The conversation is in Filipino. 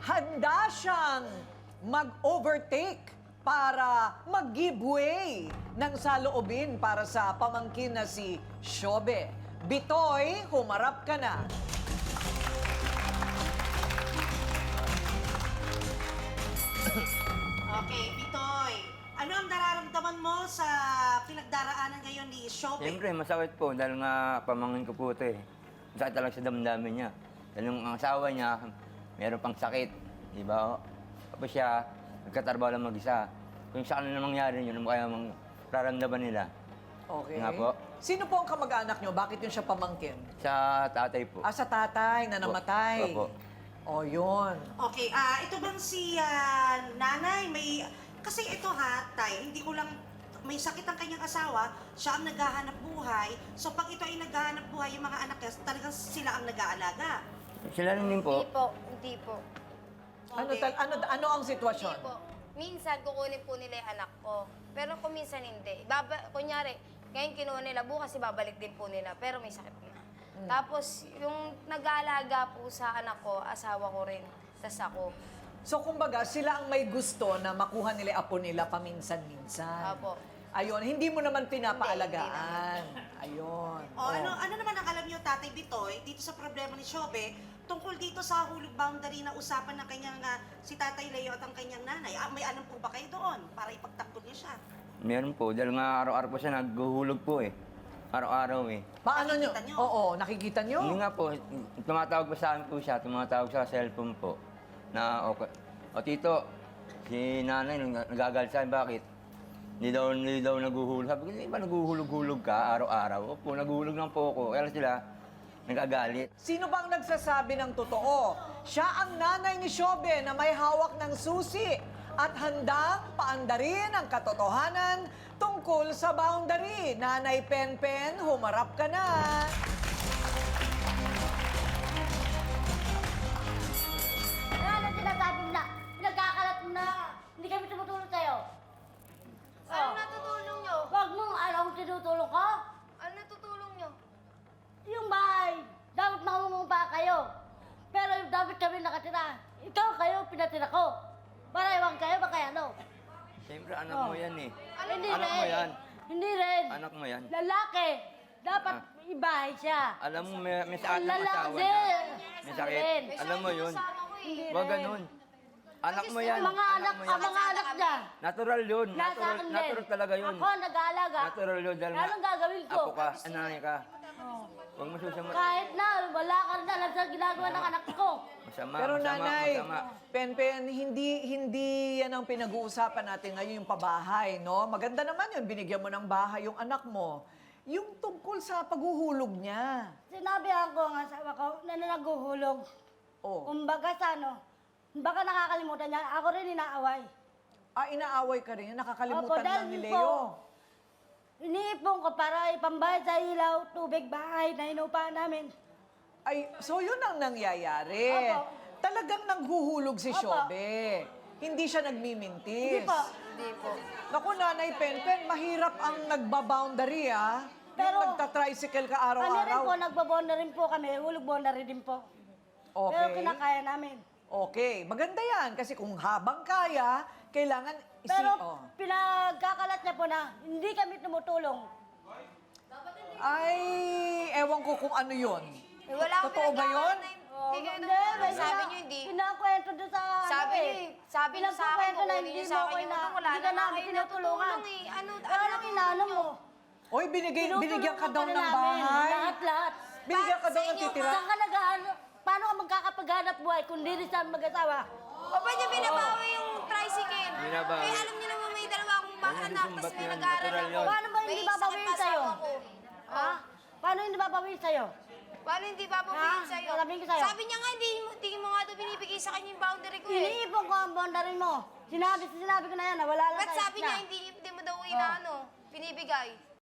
handa siyang mag-overtake para mag-giveaway ng saloobin para sa pamangkin na si Shobe. Bitoy, humarap ka na. Okay, Bitoy. Ano ang nararamdaman mo sa pinagdaraanan ngayon ni Shobe? Siyempre, masakit po dahil nga pamangkin ko po ito eh. Masakit talaga sa damdamin niya. Dahil yung asawa niya, meron pang sakit. Di ba? Tapos siya, nagkatrabaho lang mag-isa. Kung sa kanila mangyari yun, ano kaya raramdaman nila? Okay. Nga po. Sino po ang kamag-anak nyo? Bakit yun siya pamangkin? Sa tatay po. Sa tatay na namatay. Opo. O, yun. Okay, ito bang si nanay, may... Kasi ito tay, hindi ko lang... May sakit ang kanyang asawa, siya ang naghahanap buhay. So pag ito ay naghahanap buhay, yung mga anak niya, talagang sila ang nag-aalaga. Sila rin din po. Hindi po. Okay. Ano ang sitwasyon? Hindi po. Minsan, kukunin po nila yung anak ko. Pero kung minsan hindi. Kunyari, ngayon kinuha nila, bukas ibabalik din po nila. Pero may sakit na. Tapos, yung nag-aalaga po sa anak ko, asawa ko rin. Tas ako. So, kumbaga, sila ang may gusto na makuha nila apo nila paminsan-minsan. Apo. Ayun, hindi mo naman pinapaalagaan. Ayun. Ano naman ang alam niyo, Tatay Bitoy, dito sa problema ni Shobe, tungkol dito sa hulog boundary na usapan ng kanyang, si Tatay Leo at ang kanyang nanay. May alam po ba kayo doon para ipagtanggol niyo siya? Meron po. Dahil nga araw-araw po siya naghuhulog po eh. Araw-araw eh. Paano nyo? Nakikita nyo? Oo, nakikita nyo? Hindi nga po, tumatawag pa sa akin po siya, tumatawag sa cellphone po. Na, okay. O tito, si nanay nagagalit sa akin, bakit? Hindi daw naguhulog. Sabi ko, hindi ba naguhulog-hulog ka araw-araw? Opo, naguhulog lang po ako. Kaya sila nagagalit. Sino bang nagsasabi ng totoo? Siya ang nanay ni Shobe na may hawak ng susi at handang paandarin ang katotohanan tungkol sa boundary. Nanay Penpen, humarap ka na. Ano sinasabi mo na? Pinagkakalat mo na. Hindi kami tumutulong sa'yo. Ano natutulong nyo? Huwag mong alam kung tinutulong ko. Ano natutulong nyo? Yung bahay, dapat mamumumpa kayo. Pero dapat kami nakatira. Ikaw kayo, pinatira ko. Para iwan kayo, baka ano? Siyempre, anak mo yan eh. Hindi Anak rin. mo yan. Hindi rin. Anak mo yan. Lalaki. Dapat ibahay siya. Alam mo, may sakit ng Lalaki asawa din. niya. May sakit. Rin. Alam mo yun. Hindi Huwag rin. ganun. Anak mo yan. Mga anak, mo ang yan. mga anak niya. Natural yun. Nasa akin din. Natural talaga yun. Ako, nag-aalaga. Natural yun. Dahil Anong gagawin ko? apo ka, anay ka. Huwag mo susama. Kahit na, wala ka rin alam sa ginagawa ng anak ko. Masama, Pero masama, nanay, masama. Penpen, hindi yan ang pinag-uusapan natin ngayon, yung pabahay, no? Maganda naman yun, binigyan mo ng bahay yung anak mo. Yung tungkol sa paghuhulog niya. Sinabihan ko ang asawa ko na naguhulog. Oh. Kumbaga sa baka nakakalimutan niya, ako rin inaaway. Inaaway ka rin, nakakalimutan Opo, dahil lang ni po, Leo. Iniipon ko para ipambayad sa ilaw, tubig, bahay na inupahan namin. So yun ang nangyayari. Opo. Talagang naghuhulog si Opo. Shobe. Hindi siya nagmimintis. Hindi po. Hindi po. Naku, Nanay Penpen, mahirap ang nagbaboundary, ah. Pero, yung nagta-tricycle ka Kami rin araw-araw. po, nagbabonda rin po kami, hulog bonda rin din po. Pero Okay. kinakaya namin. Okay, maganda yan. Kasi kung habang kaya, kailangan Pero oh. pinagkakalat niya po na hindi kami tumutulong. Ay, ewan ko kung ano yun. Wala akong Totoo ba yun? Hindi kayo Hindi, tumutulong. may Sabi nyo hindi. Pinakwento doon sa Sabi ano niyo eh. Sabi niyo sa akin, Pinakwento na kukunin niyo hindi sa mo akin ko yung ina- utang. Wala hindi ka na namin kayo tinutulungan. natutulong eh. Ano Ano lang inaano mo? Oy, binigyan ka daw ng namin. bahay. Lahat. Binigyan ka daw Sa ng inyo, titira. Saan ka paano ka magkakapaghanap buhay kung di rin sa mag-asawa? O ba't niyo binabawi yung tricycle? Binabawi. Eh, alam niyo naman may dalawa akong Huwag niyo anak, tapos sumbat may yan. nag-aaral Natural ako. yun. Paano ba hindi May babawiin sakit sa'yo? asawa ko. Ha? Paano hindi babawiin sa'yo? Paano hindi babawiin Ha? sa'yo? Sasabihin ko sa'yo. Sabi niya nga, hindi mo nga daw binibigay sa kanya yung boundary ko eh. Iniipon ko ang bondarin mo. Sinabi ko na yan na wala lang Ba't sa sabi niya hindi mo daw inaano, binibigay?